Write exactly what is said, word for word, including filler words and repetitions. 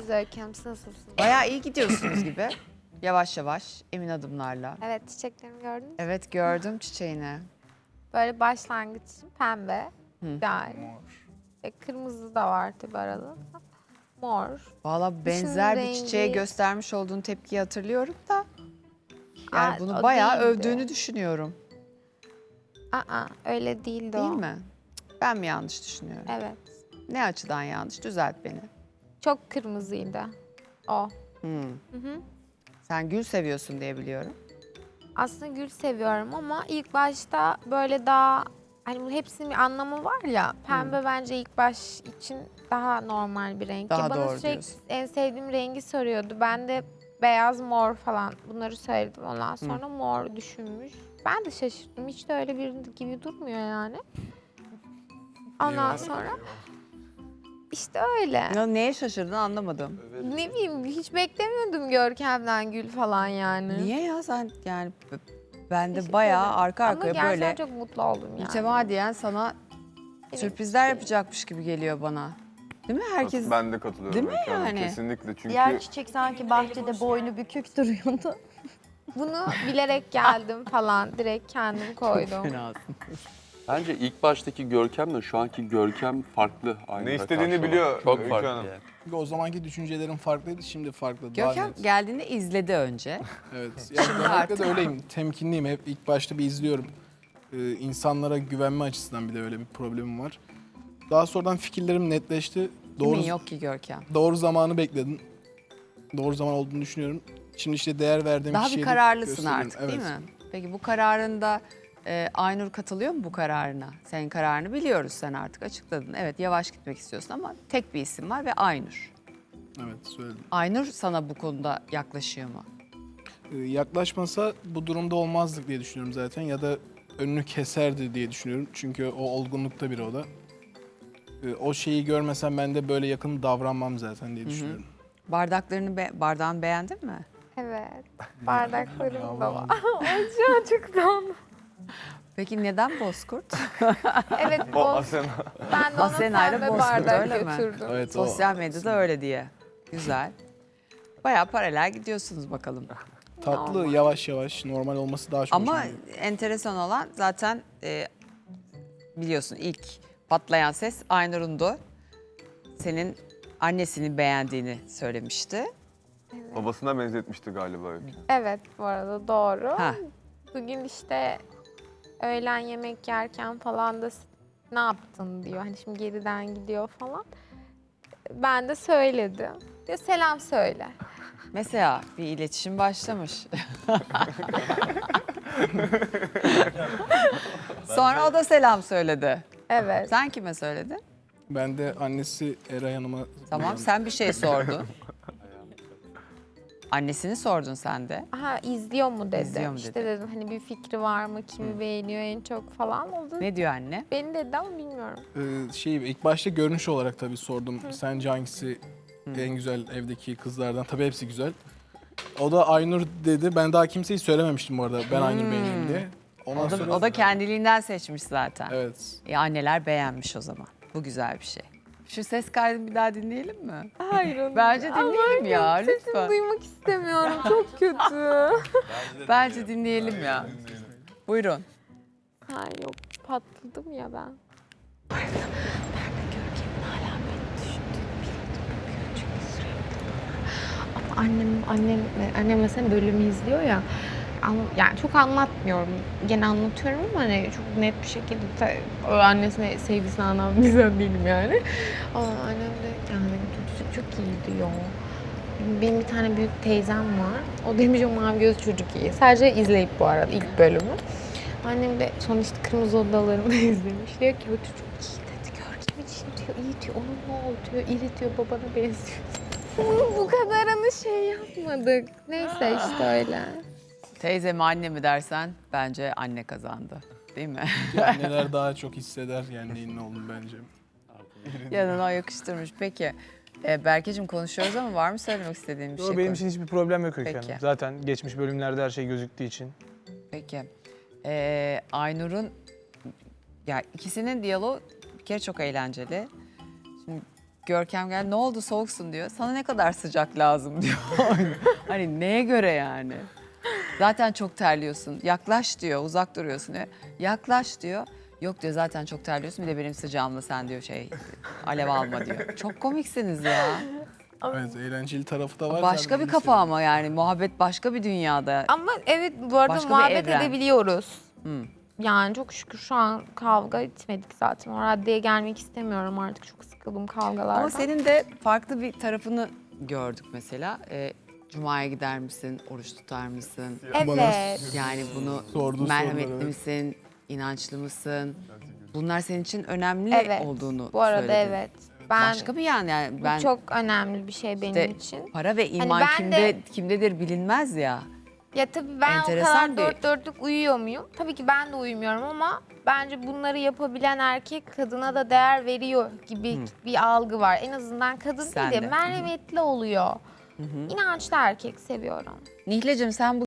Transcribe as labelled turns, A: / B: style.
A: siz Öyküm? Siz nasılsınız?
B: Bayağı iyi gidiyorsunuz gibi. Yavaş yavaş, emin adımlarla.
A: Evet, çiçeklerimi gördünüz mü?
B: Evet, gördüm çiçeğini.
A: Böyle başlangıç için pembe,
B: Hı.
A: güzel. E, kırmızı da var tabii arada. Mor.
B: Valla benzer bir
A: rengi-
B: çiçeğe göstermiş olduğun tepkiyi hatırlıyorum da. Yani
A: Aa,
B: bunu
A: o
B: bayağı
A: değildi.
B: övdüğünü düşünüyorum.
A: Aa, öyle değildi
B: Değil
A: o.
B: mi? Cık, ben mi yanlış düşünüyorum?
A: Evet.
B: Ne açıdan yanlış? Düzelt beni.
A: Çok kırmızıydı o.
B: Hmm.
A: Hı hı.
B: Sen gül seviyorsun diye biliyorum.
A: Aslında gül seviyorum ama ilk başta böyle daha hani bu hepsinin bir anlamı var ya. Pembe bence ilk baş için daha normal bir renk.
B: Daha
A: Ya bana
B: doğru
A: sürekli
B: diyorsun.
A: en sevdiğim rengi soruyordu. Ben de beyaz, mor falan bunları söyledim. Ondan sonra mor düşünmüş. Ben de şaşırdım. Hiç de öyle bir gibi durmuyor yani. Ondan sonra işte öyle.
B: Ya neye şaşırdın anlamadım.
A: Ne bileyim hiç beklemiyordum Görkem'den gül falan yani.
B: Niye ya sen yani b- ben de
A: Teşekkür
B: bayağı
A: ederim.
B: arka
A: Ama
B: arkaya
A: gerçekten
B: böyle
A: çok mutlu oldum yani.
B: mütemadiyen sana
A: Evet,
B: sürprizler
A: şey-
B: yapacakmış gibi geliyor bana. Değil mi herkes?
C: Ben de katılıyorum.
B: Değil mi
C: Öykü Hanım,
B: yani?
C: Kesinlikle çünkü
D: Diğer çiçek sanki bahçede boynu bükük duruyordu.
A: Bunu bilerek geldim falan. Direkt kendim koydum.
B: Fenasın.
E: Bence ilk baştaki Görkem'le şu anki Görkem farklı. Aynı
C: Ne
E: da
C: istediğini
E: karşı
C: biliyor
E: olarak. Çok
C: Öykü
E: farklı
C: Hanım.
E: yani.
F: Çünkü o zamanki düşüncelerim farklıydı, şimdi farklı. Daha
B: Görkem
F: net.
B: geldiğinde izledi önce.
F: Evet. Yani genellikle
B: artık-
F: de öyleyim. Temkinliyim. Hep ilk başta bir izliyorum. Ee, insanlara güvenme açısından bir de öyle bir problemim var. Daha sonradan fikirlerim netleşti. Doğru,
B: Kimin yok ki Görkem?
F: doğru zamanı bekledim. Doğru zaman olduğunu düşünüyorum. Şimdi işte değer verdiğim
B: Daha
F: kişiye
B: bir
F: de
B: kararlısın
F: gösteriyorum.
B: artık
F: Evet.
B: değil mi? Peki bu kararında e, Aynur katılıyor mu bu kararına? Senin kararını biliyoruz, sen artık açıkladın. Evet, yavaş gitmek istiyorsun ama tek bir isim var ve Aynur.
F: Evet, söyledim.
B: Aynur sana bu konuda yaklaşıyor mu?
F: Ee, yaklaşmasa bu durumda olmazdık diye düşünüyorum zaten. Ya da önünü keserdi diye düşünüyorum. Çünkü o olgunlukta biri o da. Ee, o şeyi görmesem ben de böyle yakın davranmam zaten diye düşünüyorum.
B: Bardaklarını, be bardağını beğendin mi?
A: Evet. Bardaklarım da var.
F: Yavrum.
A: Acı acıktan.
B: Peki neden Bozkurt?
A: Evet,
C: o
A: o,
C: Asena.
A: ben de ona
B: Asena ile
A: pembe
B: Bozkurt,
A: bardak
B: öyle mi?
A: götürdüm.
F: Evet, o-
B: Sosyal medyada öyle diye. Güzel. Bayağı paralel gidiyorsunuz bakalım.
F: Tatlı, yavaş yavaş, normal olması daha çok
B: Ama
F: hoşuma gidiyor.
B: enteresan olan zaten e, biliyorsun ilk patlayan ses Aynur'undu. Senin annesini beğendiğini söylemişti.
C: Babasına benzetmişti galiba Öykü.
A: Evet, bu arada doğru.
B: Ha.
A: Bugün işte öğlen yemek yerken falan da ne yaptın diyor. Hani şimdi geriden gidiyor falan. Ben de söyledim. Diyor selam söyle.
B: Mesela bir iletişim başlamış. Sonra o da selam söyledi.
A: Evet.
B: Sen kime söyledin?
F: Ben de annesi Eray Hanım'a...
B: Tamam, sen bir şey sordun. Annesini sordun sen de.
A: Aha izliyor mu dedi.
B: İzliyor mu
A: işte
B: dedi.
A: dedim hani bir fikri var mı, kimi beğeniyor en çok falan oldu.
B: Ne diyor anne?
A: Beni dedi ama bilmiyorum.
F: Ee, şey, ilk başta görünüş olarak tabii sordum. Sence hangisi en güzel evdeki kızlardan? Tabii hepsi güzel. O da Aynur dedi. Ben daha kimseyi söylememiştim bu arada. Ben Aynur beğeniyorum diye. Ondan
B: O da,
F: sonra...
B: o da kendiliğinden seçmiş zaten.
F: Evet.
B: E, anneler beğenmiş o zaman. Bu güzel bir şey. Şu ses kaydını bir daha dinleyelim mi?
A: Hayır onu.
B: Bence dinleyelim ya,
A: Sesimi
B: lütfen.
A: duymak istemiyorum. Çok kötü.
B: Bence dinleyelim ya. Buyurun.
A: Hayır yok patladım ya ben. Ama annem, annem, annem mesela bölümü izliyor ya. An- Yani çok anlatmıyorum. Gene anlatıyorum ama hani çok net bir şekilde ta- o annesine sevgisini anlatan bir insan değilim yani. Ama annem de yani çocuk çok iyi diyor. Benim bir tane büyük teyzem var. O demiş o mavi göz çocuk iyi. Sadece izleyip bu arada ilk bölümü. Annem de son işte Kırmızı Odaları'nı izlemiş. Diyor ki o çocuk iyi dedi. Görkem için diyor iyi diyor. Onun ne oldu diyor. İri diyor babana benziyor. Bu kadarını şey yapmadık. Neyse işte öyle.
B: Teyze mi anne mi dersen bence anne kazandı. Değil mi?
F: Anneler daha çok hisseder yani neyin ne olduğunu bence.
B: Yanına yakıştırmış. Peki. E, Berkeciğim konuşuyoruz ama var mı söylemek istediğin bir
G: Yo,
B: şey?
G: benim
B: Konuş-
G: için hiçbir problem yok Öykü
B: Peki.
G: Hanım. Zaten geçmiş bölümlerde her şey gözüktüğü için.
B: Peki. Ee, Aynur'un, ya ikisinin diyaloğu bir kere çok eğlenceli. Şimdi Görkem gel ne oldu soğuksun diyor. Sana ne kadar sıcak lazım diyor. Hani neye göre yani? Zaten çok terliyorsun. Yaklaş diyor, uzak duruyorsun diyor. Yaklaş diyor. Yok diyor zaten çok terliyorsun. Bir de benim sıcağımla sen diyor şey alev alma diyor. Çok komiksiniz ya.
F: Evet, eğlenceli tarafı da var.
B: Başka
F: zaten,
B: bir
F: onu
B: kafa ama yani muhabbet başka bir dünyada.
A: Ama evet bu arada
B: Başka bir
A: muhabbet
B: evren.
A: edebiliyoruz.
B: Hı.
A: Yani çok şükür şu an kavga etmedik zaten. O raddeye gelmek istemiyorum artık. Çok sıkıldım kavgalardan.
B: Ama senin de farklı bir tarafını gördük mesela. Ee, Cuma'ya gider misin, oruç tutar mısın?
A: Evet.
B: Yani bunu
F: Sorduğu
B: merhametli
F: sorular, evet.
B: misin, inançlı mısın? Bunlar senin için önemli
A: Evet.
B: olduğunu
A: Bu arada
B: söyledin.
A: evet. Ben
B: Başka bir yan yani
A: bu
B: ben
A: çok önemli bir şey benim
B: işte
A: için.
B: para ve iman
A: ben
B: kimde
A: de-
B: kimdedir bilinmez ya.
A: Ya tabii ben
B: Enteresan
A: o kadar
B: bir-
A: dört dörtlük uyuyor muyum? Tabii ki ben de uyumuyorum ama bence bunları yapabilen erkek kadına da değer veriyor gibi bir algı var. En azından kadın
B: Sen
A: değil de
B: de.
A: merhametli oluyor. İnançlı erkek seviyorum.
B: Nihlecim sen bu